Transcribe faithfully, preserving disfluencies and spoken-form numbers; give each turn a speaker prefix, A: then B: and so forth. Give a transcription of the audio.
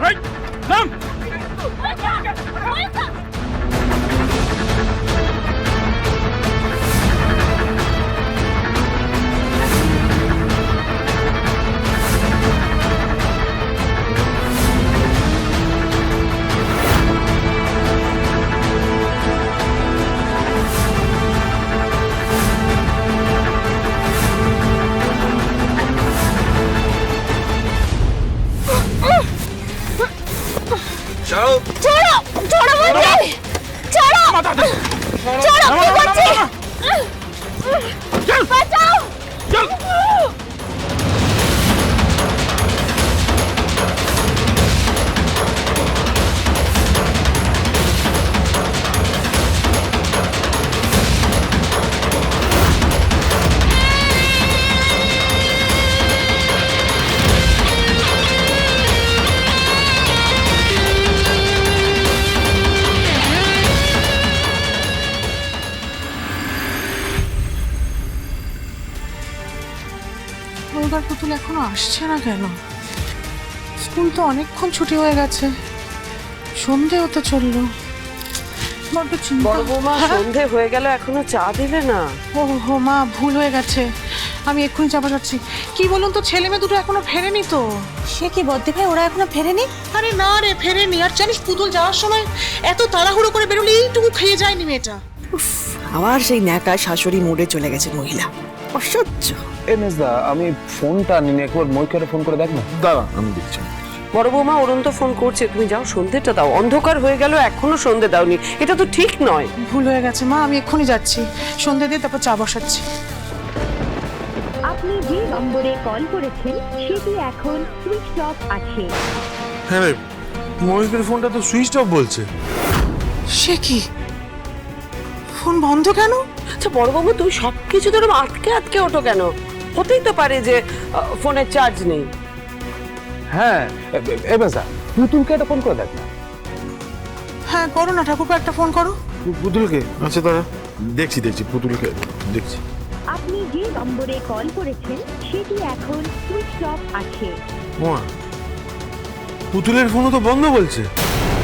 A: নাম
B: ছাড়ো
C: छोड़ो छोड़ो मुझे छोड़ो छोड़ो क्या करते बचाओ
A: चल
D: ওইবার পুতুল এখনো আসছে না কেন? স্কুল তো অনেকক্ষণ ছুটি হয়ে গেছে, সন্ধে হতে চললো। বড্ড চিন্তা।
E: বড় বৌমা, সন্ধে হয়ে গেল এখনো চা দিলে না?
D: ও হো মা, ভুল হয়ে গেছে, আমি এক্ষুনি চাপা যাচ্ছি। কি বলুন তো, ছেলে মেয়ে দুটো এখনো ফেরেনি তো।
C: সে কি বদ্দি ভাই, ওরা এখনো ফেরেনি?
D: আরে না রে, ফেরেনি। আর জানিস, পুতুল যাওয়ার সময় এত তাড়াহুড়ো করে বেরোলে এইটুকু খেয়ে যায়নি মেয়েটা।
F: আবার সেই ন্যাকা শাশুড়ি মোড়ে চলে গেছে মহিলা, অসহ্য।
B: এমএসদা, আমি ফোনটা নিয়ে একবার মইকে ফোন করে দেখ না।
A: দাঁড়া, আমি দেখছি।
E: বড় বৌমা, অরুণ তো ফোন করছে, তুমি যাও সন্ধেটা দাও। অন্ধকার হয়ে গেল, এখনো সন্ধে দাওনি, এটা তো ঠিক নয়।
D: ভুল হয়ে গেছে মা, আমি এক্ষুনি যাচ্ছি, সন্ধে দিয়ে তারপর চা বসাচ্ছি।
G: আপনি যে নম্বরে কল করেছেন সেটি এখন সুইচ অফ আছে।
A: হ্যাঁ রে, মহিকের ফোনটা তো সুইচ অফ বলছে।
D: সে কি, ফোন বন্ধ কেন?
E: আচ্ছা বড় বৌমা, তুমি সবকিছু ধরো আটকে আটকে ওঠো কেন? হতেই তো পারে যে আহ, ফোনের চার্জ নেই।
B: হ্যাঁ এমএসদা, পুতুলকে একটা ফোন করে দেখ না।
D: হ্যাঁ করো না ঠাকুরকে একটা ফোন করো।
A: পুতুলকে? আচ্ছা দাঁড়া, দেখছি দেখছি পুতুলকে দেখছি।
G: আপনি যে নম্বরে কল করেছেন সেটি এখন সুইচ অফ আছে।
A: ওমা, পুতুলের ফোনও তো বন্ধ বলছে।